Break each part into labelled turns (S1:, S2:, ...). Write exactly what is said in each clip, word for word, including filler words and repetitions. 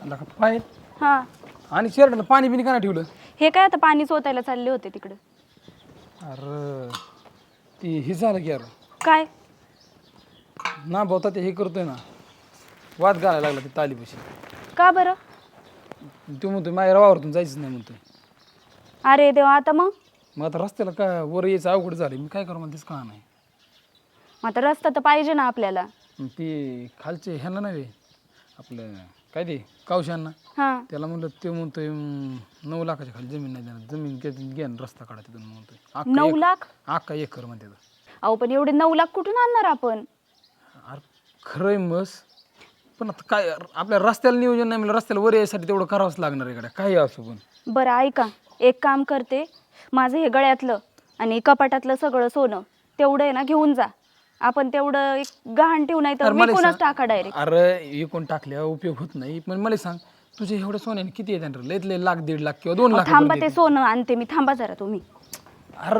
S1: आला का पाय
S2: हा
S1: आणि शर्टला पाणी बिनी का नाही ठेवलं?
S2: हे काय आता पाणी चोतायला चालले होते तिकडे.
S1: अरे ती हे झालं की यार
S2: काय
S1: ना भावता ते हे करतोय ना वाद घालायला लागला ते तालीपाशी.
S2: का बरं?
S1: तो म्हणतोय माझ्या वावरातून जायचं नाही म्हणतोय.
S2: अरे देवा, आता मग
S1: मग आता रस्त्याला काय वर यायचं अवघड झालं, मी काय करू म्हणतेच का नाही.
S2: मग आता रस्ता तर पाहिजे ना आपल्याला.
S1: मग ती खालचे ह्यांना नाही आपलं काय ते कावशांना
S2: हा
S1: त्याला म्हणलं ते म्हणतोय अं, नऊ लाखाच्या खाली जमीन नाही देणार, जमीन घे- घ्या ना रस्ता काढा तिथून म्हणतोय. अख्खा
S2: नऊ
S1: एक-
S2: लाख
S1: अख्खा एकर म्हणते.
S2: अहो पण एवढे नऊ लाख कुठून आणणार आपण?
S1: अरे खरंय मस पण आता काय आपल्या रस्त्याला नियोजन नाही म्हणजे रस्त्याला वर यायसाठी तेवढं करावंच लागणार आहे. काही असो पण
S2: बरं ऐका, एक काम करते, माझं हे गळ्यातलं आणि कपाटातलं सगळं सोनं तेवढं आहे ना घेऊन जा. आपण तेवढं एक गहाण ठेवू, नाही तर
S1: अरे मला
S2: विकूनच
S1: सांग-
S2: टाका डायरेक्ट.
S1: अरे विकून टाकल्या उपयोग होत नाही. पण मला सांग तुझे एवढे सोन्याने किती येतात रे? लयत लय लाख दीड लाख किंवा दोन लाख
S2: थांबा,
S1: रुपये
S2: ते
S1: देते.
S2: सोनं आणते मी. थांबा जरा तुम्ही.
S1: अरे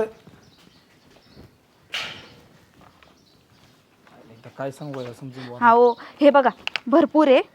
S1: आता काय सांगू यार, समजून बुवा.
S2: हा हो, हे बघा भरपूर आहे.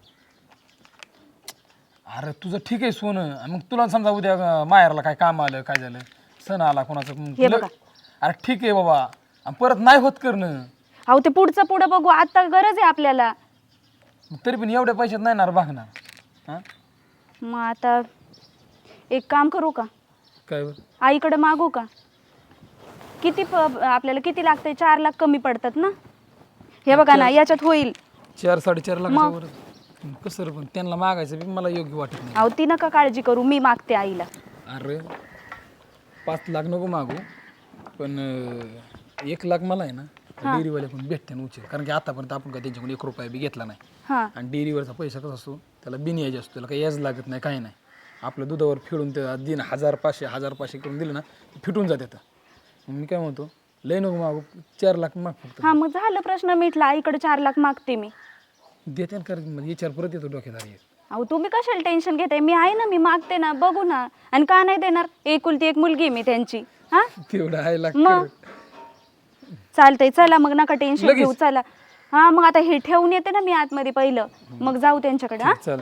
S1: अरे तुझं ठीक आहे सोनं, आणि मग तुला समजा उद्या अं, माहेरला काय काम आलं काय झालं सण आला कोणाचं मग
S2: हे
S1: तुला-
S2: बघा.
S1: अरे ठीक आहे बाबा, आणि परत नाही होत करणं.
S2: अहो ते पुढचं पुढं बघू, आता गरज आहे आपल्याला.
S1: मग तरी पण एवढ्या पैशात नाही ना रे भागणार. हां
S2: मग आता एक काम करू का,
S1: काय बरं?
S2: आईकडे मागू का? किती प आपल्याला किती लागतंय? चार लाख कमी पडतात ना. हे बघा ना, याच्यात होईल.
S1: चार साडेचार लाखाच्या वर कसं रे, पण त्यांना मागायचं बी मला योग्य वाटत नाही.
S2: अहो ती नका काळजी करू, मी मागते आईला.
S1: अरे पाच लाख नको मागू, पण अं, एक लाख मला आहे ना डेअरीवाले पण भेटते ना उचल, कारण की आतापर्यंत आपण काय त्यांच्याकडून एक रुपया बी घेतला नाही.
S2: हां
S1: आणि डेअरीवरचा पैसा कसा असतो, त्याला बिन याज असतो, त्याला काही याज लागत नाही काही नाही. आपलं दुधावर फिरून ते दिन हजार पाचशे हजार पाचशे करून दिलं ना फिटून जाते. मग मी काय म्हणतो, लय नको मागू, चार लाख माग फक्त.
S2: हां मग झालं, प्रश्न मिटला. आईकडे चार लाख मागते मी.
S1: देते ना, कारण म्हणजे विचार परत येतो डोक्यात. अरे
S2: अहो तुम्ही कशाला टेन्शन घेताय? मी आहे ना, मी मागते ना, बघू ना. आणि का नाही देणार? एकुलती एक मुलगी आहे मी त्यांची. हां
S1: तेवढं आहे लाख
S2: मग चालतंय, चला मग नका टेन्शन
S1: लगेच?
S2: घेऊ, चला. हां मग आता हे ठेवून येते ना मी आतमध्ये पहिलं, मग जाऊ त्यांच्याकडे. हां
S1: चाल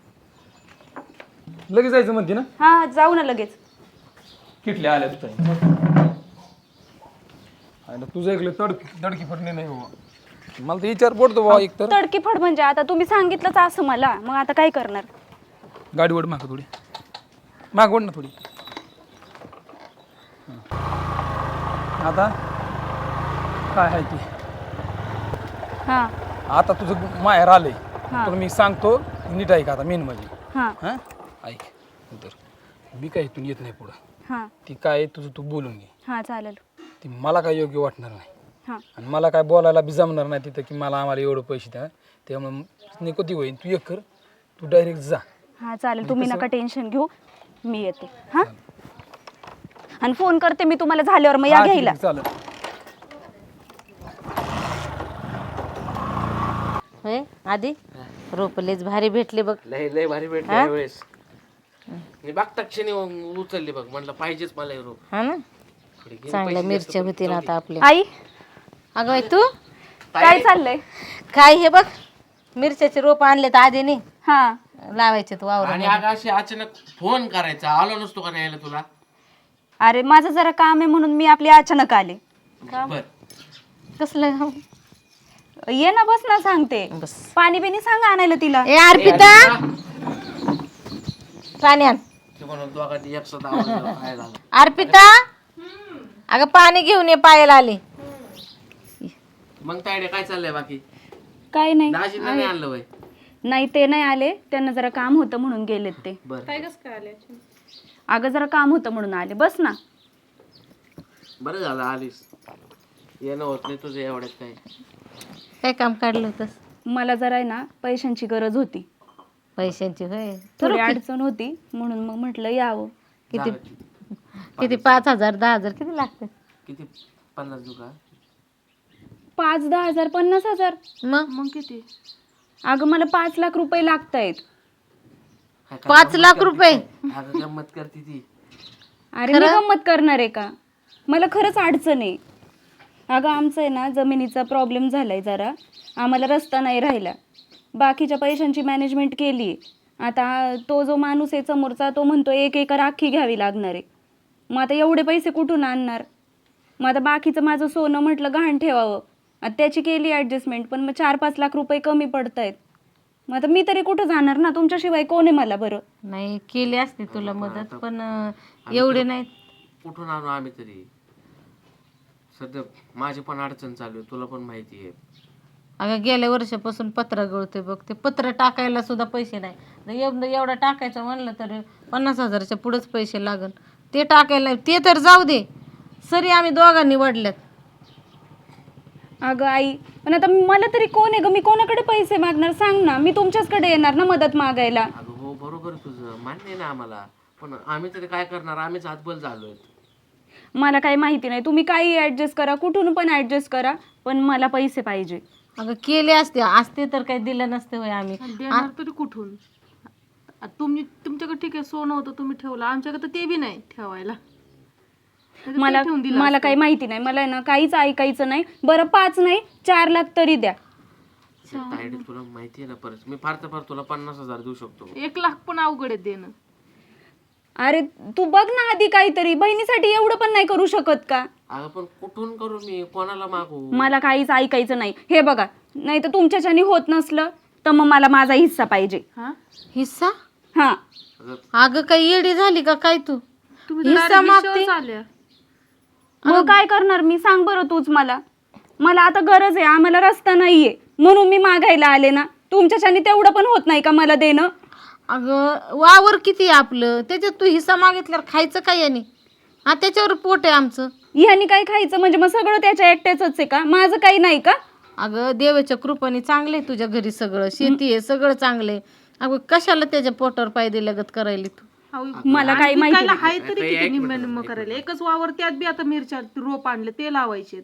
S1: लगेच जायचं म्हणते ना.
S2: हां जाऊ ना लगेच.
S1: किटल्या आल्या तुझ्या तुझं ऐकलं तड दडकी फटणे नाही बाबा. मला तर विचार पडतो बाबा. एक तर
S2: तडकी फड म्हणजे आता तुम्ही सांगितलंच असं मला, मग आता काय करणार?
S1: गाडी ओढ माग थोडी, माग ओढ ना थोडी. आता काय आहे की
S2: हां
S1: आता तुझं माहेर आलंय,
S2: हा.
S1: तर मी सांगतो नीट ऐक आता मेन म्हणजे.
S2: हां
S1: हां ऐक तर मी काय इथून येत नाही पुढं.
S2: हां
S1: ती काय आहे तुझं तू बोलून घे.
S2: हां चालेल.
S1: ती मला काय योग्य वाटणार नाही,
S2: हां
S1: आणि मला काय बोलायला बी जमणार नाही तिथं की मला आम्हाला एवढं पैसे द्या. त्यामुळे निकोती होईल. तू एक कर, तू डायरेक्ट जा.
S2: हां चालेल, तुम्ही नका टेन्शन घेऊ, मी येते. हां आणि फोन करते मी तुम्हाला झाल्यावर, मग या
S1: हा, ठीक
S2: घ्यायला.
S1: आहे, चालेल.
S3: होय आधी रोपलेच भारी भेटले बघ.
S4: लय लय भारी भेटले यावेळेस. मी बघता क्षणी उचलली बघ, म्हणलं पाहिजेच मला हे रोप.
S3: हा ना,
S4: थोडी घे,
S3: चांगल्या मिरच्या होती ना आता आपल्या.
S2: आई
S3: अगं बाई तू
S2: काय चाललंय?
S3: काय हे बघ, मिरच्याचे रोप आणले तर आधीने
S2: हां
S3: लावायचे तू वावर.
S4: आणि अगं अशी अचानक फोन करायचा, आलो नसतो का न्यायला तुला?
S2: अरे माझं जरा काम आहे म्हणून मी आपली अचानक आले.
S4: बर
S3: कसलं?
S2: ये ना, बस ना, सांगते.
S3: बस.
S2: पाणी बिनी सांगा आणायला तिला.
S3: ए अर्पिता, पाणी आण.
S4: ते म्हणून दोघांनी एक सुद्धा आवाज दिला, काय झालं?
S3: अर्पिता अगं पाणी घेऊन ये, पायाला आले.
S4: मग तायडे काय चाललंय बाकी?
S2: काय नाही.
S4: दाजींना नाही आणलं वय?
S2: नाही ते नाही आले, त्यांना जरा काम होतं म्हणून गेलेत ते.
S4: बर
S2: अगं जरा काम होतं म्हणून आले. बस ना.
S4: बरं झालं आलीस, येणं होत नाही तुझं एवढ्यात. काय
S3: काय काम काढलं होतंस?
S2: मला जरा आहे ना पैशांची गरज होती,
S3: पैशांची होय.
S2: थोडी अडचण होती, म्हणून मग म्हटलं यावं.
S3: किती
S4: झालं.
S3: किती पाच हजार दहा हजार किती लागते?
S4: किती? पन्नास दुका?
S2: पाच दहा हजार पन्नास हजार
S3: मग
S2: मग किती? अगं मला पाच लाख रुपये लागत आहेत.
S3: पाच लाख रुपये?
S4: अगं गंमत करते ती.
S2: अरे मी गंमत करणार आहे का? मला खरंच अडचण आहे. अगं आमचं आहे ना जमिनीचा प्रॉब्लेम झालाय जरा, आम्हाला रस्ता नाही राहिला, बाकीच्या पैशांची मॅनेजमेंट केली आहे. आता तो जो माणूस आहे समोरचा तो म्हणतो एक एकर अख्खी घ्यावी लागणार आहे. मग आता एवढे पैसे कुठून आणणार? मग आता बाकीचं माझं सोनं म्हटलं गहाण ठेवावं, आता त्याची केली ॲडजस्टमेंट, पण मग चार पाच लाख रुपये कमी पडत आहेत. मग आता मी तरी कुठं जाणार ना, तुमच्याशिवाय कोण आहे मला बरं?
S3: नाही केली असते तुला मदत, पण अं, एवढे नाही.
S4: कुठून आणू आम्ही तरी? सध्या माझी पण अडचण चालू आहे, तुला पण माहिती आहे.
S3: अगं गेल्या वर्षापासून पत्र गळते बघ, ते पत्र टाकायला सुद्धा पैसे नाही. तर एवढं एवढं टाकायचं म्हणलं तर पन्नास हजाराच्या पुढेच पैसे लागल. ते टाकायला ते तर जाऊ दे, सरी आम्ही दोघांनी वडल्यात.
S2: अगं आई, पण आता मला तरी कोण आहे ग? मी कोणाकडे पैसे मागणार सांग ना? मी तुमच्याचकडे येणार ना मदत मागायला.
S4: अगं हो बरोबर आहे तुझं, मान्य आहे ना आम्हाला, पण आम्ही तरी काय करणार? आम्हीच हातबल झालोय.
S2: मला काही माहिती नाही, तुम्ही काही ॲडजस्ट करा, कुठून पण ॲडजस्ट करा, पण मला पैसे पाहिजे.
S3: अगं केले असते असते तर काही दिलं नसते होय आम्ही.
S5: देणार तरी कुठून? आ, तुम्ही तुमच्याकडे ठीक आहे सोनं होतं तुम्ही ठेवलं, आमच्याकडे तर ते बी नाही ठेवायला. नाहीतर ते
S2: मला
S5: ठेवून दिलं
S2: मला
S5: असतं.
S2: काही माहिती नाही, मला आहे ना काहीच ऐकायचं नाही. बरं पाच नाही चार लाख तरी द्या.
S4: तायडे तुला माहिती आहे ना, परत मी फार तर फार तुला पन्नास हजार देऊ शकतो.
S5: एक लाख पण अवघड आहे देणं.
S2: अरे तू बघ ना आधी काहीतरी, बहिणीसाठी एवढं पण नाही करू शकत का?
S4: अगं पण कुठून करू मी, कोणाला मागू?
S2: मला काहीच ऐकायचं नाही. हे बघा, नाही तर तुमच्याच्यानी होत नसलं तर मग मला माझा हिस्सा पाहिजे.
S5: हा
S3: हिस्सा?
S2: हा
S4: अगं
S3: अगं काही येडी झाली का काय तू?
S5: तुम्ही तर
S3: हिस्सा
S5: direct
S3: मागते?
S5: विषयावर आल्या.
S2: मग काय करणार मी, सांग बरं तूच मला. मला आता गरज आहे, आम्हाला रस्ता नाहीये म्हणून मी मागायला आले ना. तुमच्याच्यानी तेवढं पण होत नाही का मला देणं?
S3: अगं वावर किती आहे आपलं, त्याच्यात तू हिस्सा मागितल्यावर खायचं काय याने? हा त्याच्यावर पोट आहे आमचं.
S2: ह्यानी काय खायचं म्हणजे मग सगळं त्याच्या एकट्याच आहे का? माझं काही नाही का?
S3: अगं देवाच्या कृपाने चांगले तुझ्या घरी सगळं, शेती आहे सगळं चांगले. अगं कशाला त्याच्या पोटावर पाय दिल्यागत करायला तू?
S5: अहो,
S2: मला काही
S5: आणि
S2: माहिती
S5: पिकायला
S2: नाही.
S5: हाय तरी किती निम्म निम्म करायला. एकच वावर त्यात बी आता मिरच्या रोप आणले ते लावायचे.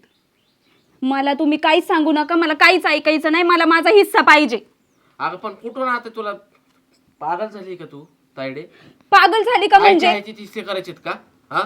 S2: मला तुम्ही काहीच सांगू नका, मला काहीच ऐकायचं नाही. मला माझा हिस्सा पाहिजे.
S4: अगं पण कुठून आता तुला पागल झाली का तू तायडे?
S2: पागल झाली का म्हणजे?
S4: म्हणजे तिसरे करायचेत का? हा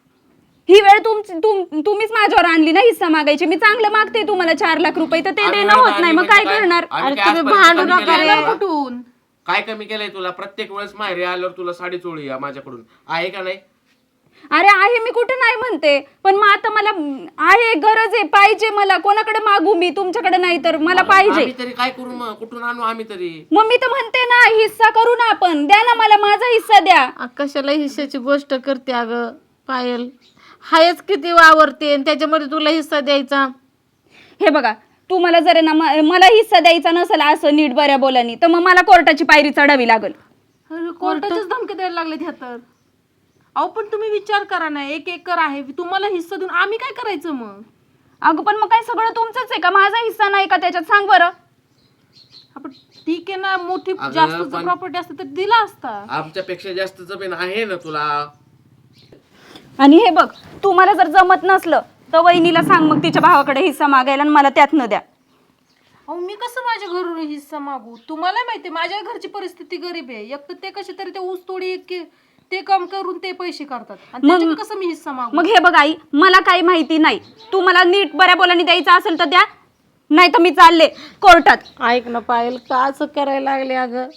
S2: ही वेळ तुमची तुम- तुम्हीच माझ्यावर आणली ना हिस्सा मागायची. मी चांगलं मागते तुम्हाला चार लाख रुपये, तर ते
S4: आम्ही
S2: देणं होत नाही. मग
S4: म्हणजे
S2: काय करणार?
S4: आम्ही
S3: अरे
S4: काय
S3: तुम्ही
S4: आजपर्यंत
S3: भांडू
S4: कमी
S3: नका
S4: केलंय
S3: रे.
S4: तुला?
S5: कुठून?
S4: काय कमी केलंय तुला? प्रत्येक वेळेस माहेरी आल्यावर तुला साडी चोळी आहे माझ्याकडून, आहे का नाही?
S2: अरे आहे, मी कुठं नाही म्हणते, पण मग आता मला आहे, गरज आहे, पाहिजे मला. कोणाकडे मागू मी? तुमच्याकडे नाही तर मला पाहिजे.
S4: आम्ही तरी काय करू मग? कुठून आणू आम्ही तरी?
S2: मग मी तर म्हणते ना हिस्सा करू ना आपण. द्या ना मला माझा हिस्सा द्या.
S3: अ, कशाला हिस्साची गोष्ट करते अगं पायल? हायच किती वावरते आणि त्याच्यामध्ये तुला हिस्सा द्यायचा?
S2: हे बघा, तुम्हाला जर आहे ना म- मला हिस्सा द्यायचा नसेल असं नीट बऱ्या बोलानी, तर मग मला कोर्टाची पायरी चढावी लागेल.
S5: अरे, कोर्टाचीच धमकी द्यायला लागले ह्या तर. अहो पण तुम्ही विचार करा ना, एक एकर आहे तुम्हाला हिस्सा देऊन आम्ही काय करायचं मग?
S2: अगं पण मग काय सगळं तुमचंच आहे का? माझा हिस्सा नाही का त्याच्यात? सांग बरं.
S5: आपण ठीक आहे ना, मोठी
S4: अगं,
S5: जास्त
S4: पण-
S5: प्रॉपर्टी असते तर दिला असता.
S4: आमच्यापेक्षा जास्त जमीन आहे ना तुला.
S2: आणि हे बघ, तुम्हाला जर जमत नसलं तर वहिनीला सांग मग तिच्या भावाकडे हिस्सा मागायला आणि मला त्यात न द्या.
S5: अहो मी कसं माझ्या घरून हिस्सा मागू? तुम्हाला माहिती माझ्या घरची परिस्थिती गरीब आहे. एक तर ते कसे तरी ते ऊस तोडी के- ते काम करून ते पैसे करतात आणि
S2: मग-
S5: त्याच्यात कसं मी हिस्सा मागू?
S2: मग हे बघ आई, मला काही माहिती नाही. तू मला नीट बऱ्या बोलानी द्यायचं असेल तर द्या, नाही तर मी चालले कोर्टात.
S3: ऐक ना पायल, का असं करायला लागले अगं?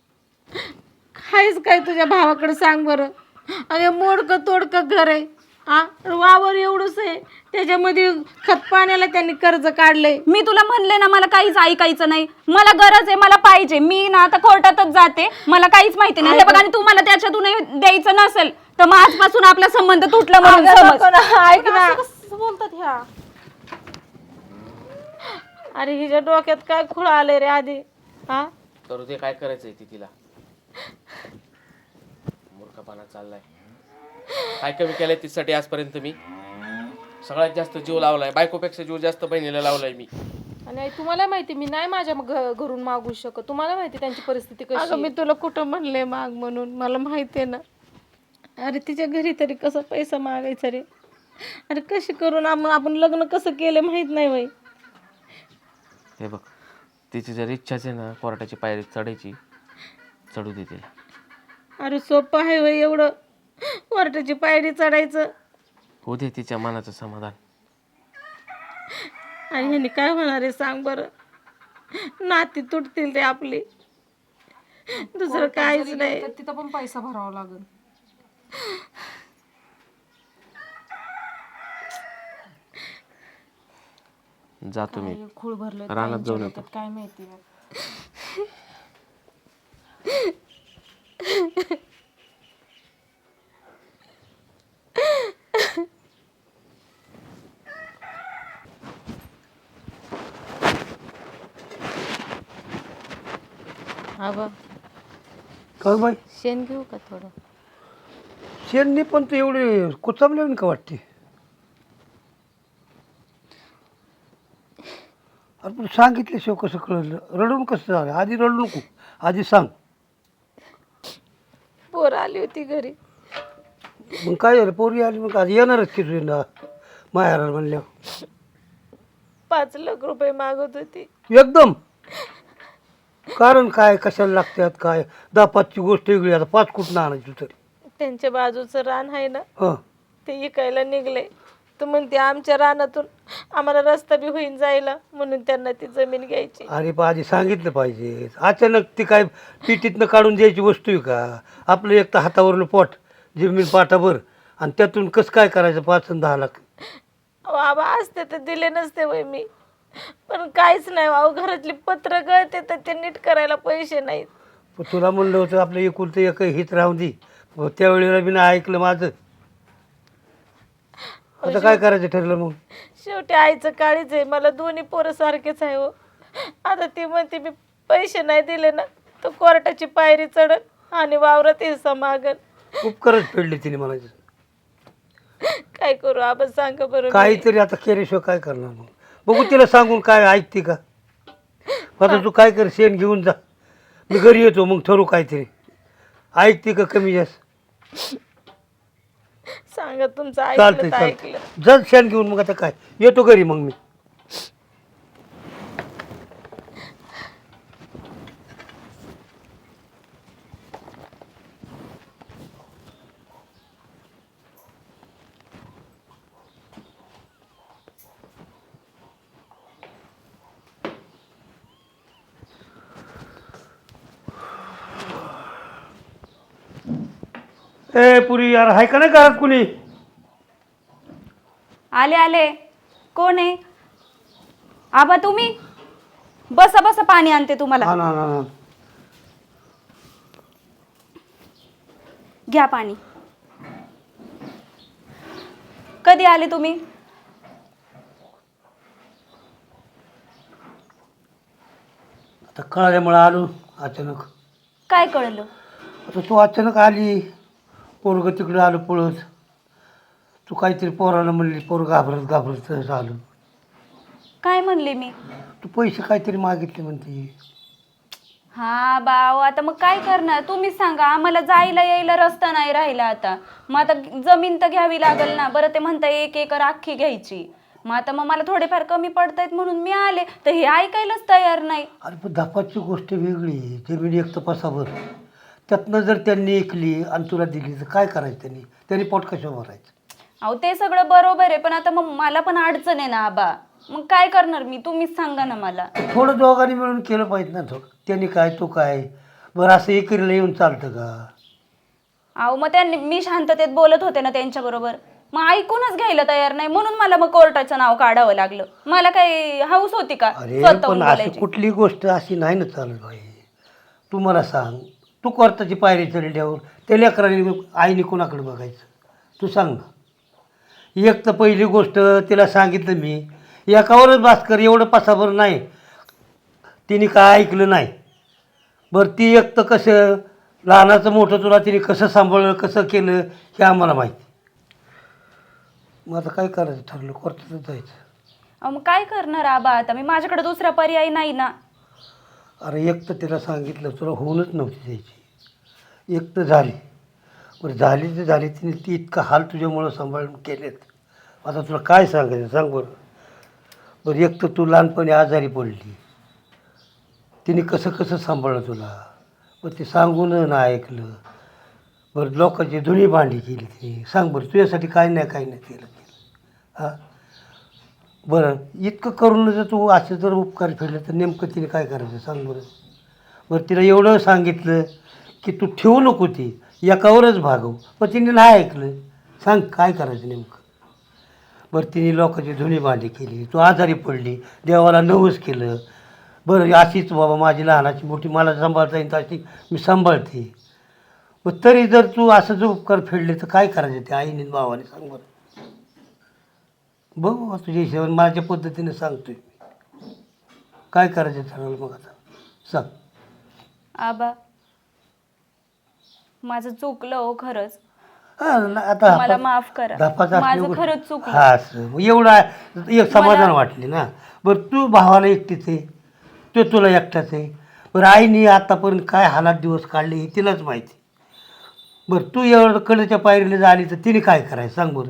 S3: खायच काय तुझ्या भावाकडे सांग बरं? अरे मोडकं तोडकं घर आहे, हा वावर एवढंच आहे, त्याच्यामध्ये खत पाण्याला त्यांनी कर्ज काढलंय.
S2: मी तुला म्हणले ना मला काहीच ऐकायचं नाही. मला गरज आहे, मला पाहिजे. मी ना आता कोर्टातच जाते. मला काहीच माहिती नाही. हे बघ, आणि तू मला त्याच्यातून द्यायचं नसेल तर मग आजपासून आपला संबंध तुटला म्हणून
S3: अगं,
S2: समज.
S3: नको ना, ऐक ना.
S5: असं कसं बोलतात ह्या?
S3: अरे हिच्या डोक्यात काय खुळ आले रे आधी, हा?
S4: तर ते काय करायचंय ती तिला? मूर्खपणा चाललाय. काय कमी केलंय तिच्यासाठी आजपर्यंत मी? सगळ्यात जास्त जीव लावलाय, बायकोपेक्षा जीव जास्त बहिणीला लावलाय मी.
S5: आणि आई, तुम्हाला माहिती मी नाही माझ्या घ- घरून मागू शकत. तुम्हाला माहिती त्यांची परिस्थिती कशी
S3: अगं मी
S5: आहे.
S3: तुला कुठं म्हणले माग म्हणून, मला माहिती आहे ना. अरे तिच्या घरी तरी कसं पैसा मागायचा रे? अरे कशी करून आम- आपण लग्न कसं केलं माहित नाही बाई.
S4: हे बघ, तिची जर इच्छाच आहे ना कोर्टाची पायरी चढायची, चढू दे तिला.
S3: अरे सोपं आहे वय एवढं कोर्टाची पायरी चढायचं?
S4: होऊ दे तिच्या मनाचं समाधान.
S3: आणि ह्यानी काय होणार आहे सांग बरं? नाती तुटतील रे आपली. दुसरं
S5: कोर्टात
S3: काहीच
S5: जरी
S3: नाही.
S5: गेलं तर तिथं पण पैसा भरावा लागेल.
S4: जातो मी
S5: काय खूळ भरलं
S4: रानात जाऊन येतो.
S5: काय माहिती.
S3: आबा
S6: काय बाई
S3: शेण घेऊ का थोडं?
S6: शेणनी पण ते एवढे कुचामले का वाटते? अरे पण सांगितल्याशिवाय कसं कळलं? रडून कसं झालं? आधी रडू नको, आधी सांग.
S3: पोर आली होती घरी.
S6: मग काय झालं? पोरी आली मग आज येणारच की तुझ्या माहेराला म्हणल्यावर.
S3: पाच लाख रुपये मागत होती.
S6: एकदम कारण काय, कशाला लागतात काय? दहा पाचची गोष्ट वेगळी, आता पाच कुठं आणायची तरी.
S3: त्यांच्या बाजूचं रान आहे ना,
S6: हां
S3: ते इकायला निघले. तर म्हणते आमच्या रानातून आम्हाला रस्ता बी होईन जायला, म्हणून त्यांना ती जमीन घ्यायची.
S6: अरे पण आधी सांगितलं पाहिजे. अचानक ती काय पिटीतनं काढून द्यायची वस्तू आहे का? आपलं एक तर हातावरलं पोट, जमीन पाठाभर, आणि त्यातून कसं काय करायचं पाच आणि दहा लाख?
S3: अहो आबा असते तर दिले नसते वय मी, पण काहीच नाही. अहो घरातली पत्र गळते तर ते नीट करायला पैसे नाहीत.
S6: पण तुला म्हणलं होतं आपलं एकुलतं एक हित राहून दे. त्यावेळेला मी नाही ऐकलं माझं. आता काय करायचं ठरलं मग?
S3: शेवटी आईचं काळीच आहे. मला दोन्ही पोरं सारखेच आहे हो. आता ती म्हणते मी पैसे नाही दिले ना तर कोर्टाची पायरी चढन आणि वावरात हिस्सा मागन.
S6: उपकारच फेडले तिने म्हणायचं.
S3: काय करू आबा सांगा बरं. मी.
S6: काहीतरी आता केल्याशिवाय काय करणार मग? बघू तिला सांगून काय ऐकते का? आता तू काय कर, शेण घेऊन जा, मी घरी येतो, मग ठरू काहीतरी. ऐकते का कमी जास्त?
S3: सांगा तुमचं
S6: चालतंय
S3: ऐकलं तर ऐकलं.
S6: चालतंय, जर शेण घेऊन मग आता काय येतो घरी मग मी. ए पुरी यार, हाय का नाही घरात कुणी?
S2: आले आले. कोण आहे? आबा तुम्ही बसा बसा, पाणी आणते तुम्हाला.
S6: हा ना ना ना.
S2: घ्या पाणी. कधी आले तुम्ही?
S6: आता कळाल्यामुळं आलो अचानक.
S2: काय कळलं?
S6: आता तू अचानक आली, पोरग तिकडे आलं पळत. तू काहीतरी पोराला म्हणली, पोर घाबरत घाबरत झालं.
S2: काय म्हणले मी?
S6: तू पैसे काहीतरी मागितले म्हणते.
S2: हा बाव, आता मग काय करणार तुम्हीच सांगा. आम्हाला जायला यायला रस्ता नाही राहिला आता. मग आता जमीन तर घ्यावी लागेल ना. बरं ते म्हणता एक एकर अख्खी घ्यायची. मग आता मग मला थोडेफार कमी पडतायत म्हणून मी आले, तर हे ऐकायलाच तयार नाही.
S6: अरे पण धपाची गोष्ट वेगळी. जमीन एक तपासावर, त्यातनं जर त्यांनी ऐकली आणि तुला दिली तर काय करायचं? त्यांनी त्यांनी पोट कशावर भरायचं?
S2: अहो ते सगळं बरोबर आहे, पण आता मग मला पण अडचण आहे ना आबा. मग काय करणार मी? तुम्हीच सांगा ना मला.
S6: थोडं दोघांनी मिळून केलं पाहिजे ना. थोडं त्यांनी काय तू काय, बरं असं एकीला येऊन चालतं का?
S2: अहो मग त्यांनी, मी शांततेत बोलत होते ना त्यांच्याबरोबर, मग ऐकूनच घ्यायला तयार नाही, म्हणून मला मग कोर्टाचं नाव काढावं लागलं. मला काही हाऊस होती का
S6: अरे
S2: स्वतःहून
S6: पण अशी
S2: बोलायची?
S6: कुठली गोष्ट अशी नाही ना चालत बाई. तू मला सांग, तू कोर्टाची पायरी चढल्यावर त्या लेकरांनी आईने कोणाकडे बघायचं? तू सांग ना. एक तर पहिली गोष्ट तिला सांगितलं मी, एकावरच भास्कर एवढं पसाभर नाही. तिने काय ऐकलं नाही. बरं ती एक तर कसं लहानाचं मोठं तुला तिने कसं सांभाळलं, कसं केलं हे आम्हाला माहिती. मग आता काय करायचं ठरलं? कोर्टातच जायचं.
S2: अहो मग काय करणार आबा आता मी? माझ्याकडे दुसरा पर्याय नाही ना.
S6: अरे एक तर तिला सांगितलं, तुला होऊनच नव्हती द्यायची. एक तर झाली, बरं झाली तर झाली. तिने ती इतका हाल तुझ्यामुळं सांभाळून केलेत. आता तुला काय सांगायचं सांग बरं. बरं एक तर तू लहानपणी आजारी पडली, तिने कसं कसं सांभाळलं तुला. बरं ते सांगून ना ऐकलं. बरं लोकांची धुणी भांडी केली तिने. सांग बरं तुझ्यासाठी काय नाही काय नाही केलं केलं हां. बरं इतकं करून जर तू असं जर उपकार फेडले तर नेमकं तिने काय करायचं सांग बरं. बरं तिला एवढं सांगितलं की तू ठेवू नको ती एकावरच भागव, पण तिने नाही ऐकलं. सांग काय करायचं नेमकं. बरं तिने लोकांची धुणी भांडी केली, तू आजारी पडली, देवाला नवस केलं. बरं अशीच बाबा माझी लहानाची मोठी मला सांभाळता येईल अशी मी सांभाळते. मग तरी जर तू असं जर उपकार फेडले तर काय करायचं ते आईने भावाने सांग बरं. बघू बा तुझ्या हिशोबाने माझ्या पद्धतीने सांगतोय काय करायचं ठरवलं मग आता सांग.
S2: आबा माझं चुकलं हो खरंच.
S6: हां ना आता
S2: मला माफ करा.
S6: धापाचा
S2: माझं खरंच चुकलं.
S6: हा असं मग एवढं आहे, एक समाधान वाटले ना. बरं तू भावाला एकटीच आहे, तो तुला एकटाच आहे. बरं आईने आतापर्यंत काय हालात दिवस काढले हे तिलाच माहिती. बरं तू एवढं कडेच्या पायरीला झाली तर तिने काय करायचं सांग बरं.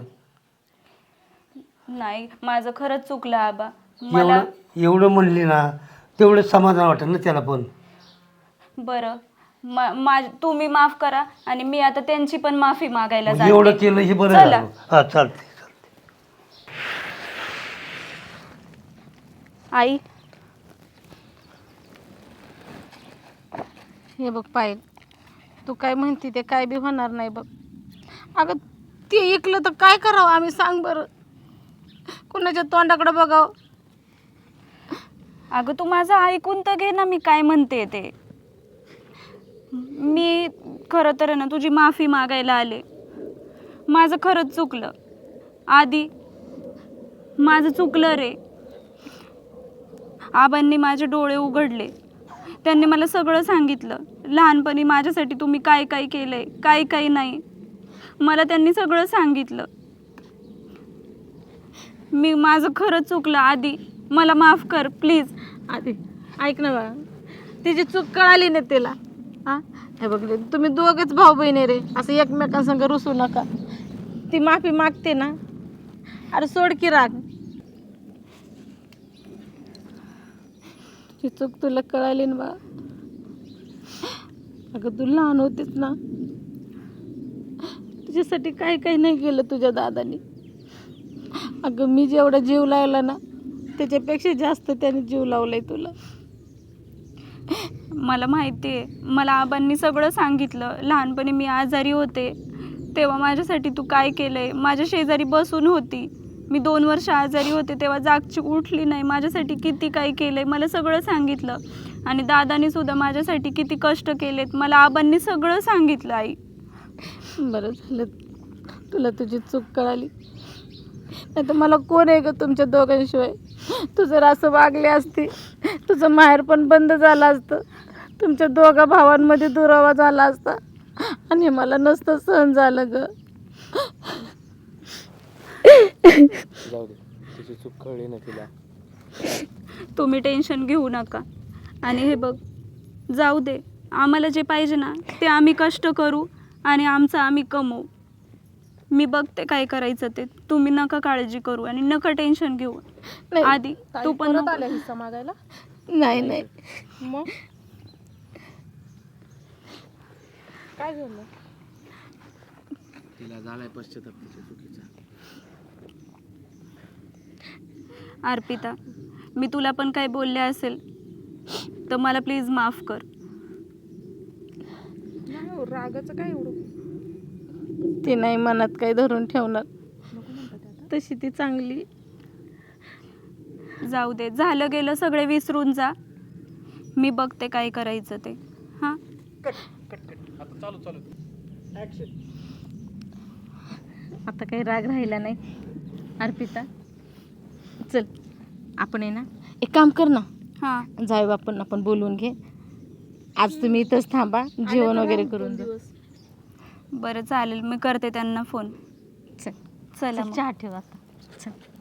S2: नाही माझं खरंच चुकलं आबा. मला
S6: एवढं एवढं म्हणली ना तेवढं समाधान वाटेल ना त्याला पण.
S2: बरं मा मा- तुम्ही माफ करा आणि मी आता त्यांची पण माफी मागायला
S6: मग एवढं
S2: जाते.
S6: केलं हे बरं
S2: चला.
S6: झालं. हां चालते चालते.
S2: आई
S3: हे बघ पायल, तू काय म्हणती ते काय बी होणार नाही बघ. अगं ते ऐकलं तर काय करावं आम्ही सांग बरं. कुणाच्या तोंडाकडे बघावं.
S2: अगं तू माझं ऐकून तर घे ना मी काय म्हणते ते. मी खरं तर आहे ना तुझी माफी मागायला आले. माझं खरंच चुकलं आधी. माझं चुकलं रे. आबांनी माझे डोळे उघडले. त्यांनी मला सगळं सांगितलं. लहानपणी माझ्यासाठी तुम्ही काय काय केलंय काय काय नाही मला त्यांनी सगळं सांगितलं. मी माझं खरंच चुकलं आधी. मला माफ कर प्लीज.
S3: आधी ऐक ना बा, तिची चूक कळाली नाही तिला. हां हे बघ रे, तुम्ही दोघंच भाऊ बहिणी रे, असं एकमेकांसंग रुसू नका. ती माफी मागते ना, अरे सोड की राग. ती चूक तुला कळाली ना बा. अगं तू लहान होतीस ना, तुझ्यासाठी काय काय नाही केलं तुझ्या दादानी. अगं मी जेवढा जीव लावला ना त्याच्यापेक्षा जास्त त्याने जीव लावलाय तुला.
S2: मला माहिती आहे. मला आबांनी सगळं सांगितलं. लहानपणी मी आजारी होते तेव्हा माझ्यासाठी तू काय केलं आहे. माझ्या शेजारी बसून होती. मी दोन वर्ष आजारी होते तेव्हा जागची उठली नाही. माझ्यासाठी किती काय केलं आहे मला सगळं सांगितलं. आणि दादानी सुद्धा माझ्यासाठी किती कष्ट केलेत मला आबांनी सगळं सांगितलं. आई
S3: बरं झालं तुला तुझी चूक कळाली. नाही तर मला कोण आहे ग तुमच्या दोघांशिवाय. तू जर असं वागली असती तुझं माहेर पण बंद झालं असतं. तुमच्या दोघा भावांमध्ये दुरावा झाला असता आणि मला नसतं सहन झालं ग.
S4: जाऊ दे, तिची चूक कळली ना तिला.
S2: तुम्ही टेन्शन घेऊ नका. आणि हे बघ जाऊ दे. आम्हाला जे पाहिजे ना ते आम्ही कष्ट करू आणि आमचं आम्ही कमवू. मी बघते काय करायचं ते. तुम्ही नका काळजी करू आणि नका टेन्शन घेऊ.
S3: नाही,
S2: आधी तू पण
S5: परत
S2: नको.
S5: आल्या हिस्सा मागायला.
S3: नाही नाही
S5: मग काय झालं?
S4: तिला झालाय पश्चाताप तिच्या चुकीचा.
S2: अर्पिता मी तुला पण काय बोलले असेल तर मला प्लीज माफ कर.
S5: नाही हो, रागाचं काय एवढं.
S3: ती नाही मनात काही धरून ठेवणार. तशी ती चांगली.
S2: जाऊ दे. झालं गेलं सगळे विसरून जा. मी बघते काय करायचं ते. हां
S3: आता काही राग राहिला नाही. अर्पिता चल आपण आहे ना एक काम कर ना,
S2: हां
S3: जाऊ आपण आपण बोलून घे. आज तुम्ही इथंच थांबा, जेवण वगैरे करून जा.
S2: बरं चालेल. मी करते त्यांना फोन.
S3: चल
S2: चला
S3: चल
S2: मग.
S3: चहा ठेव आता. चल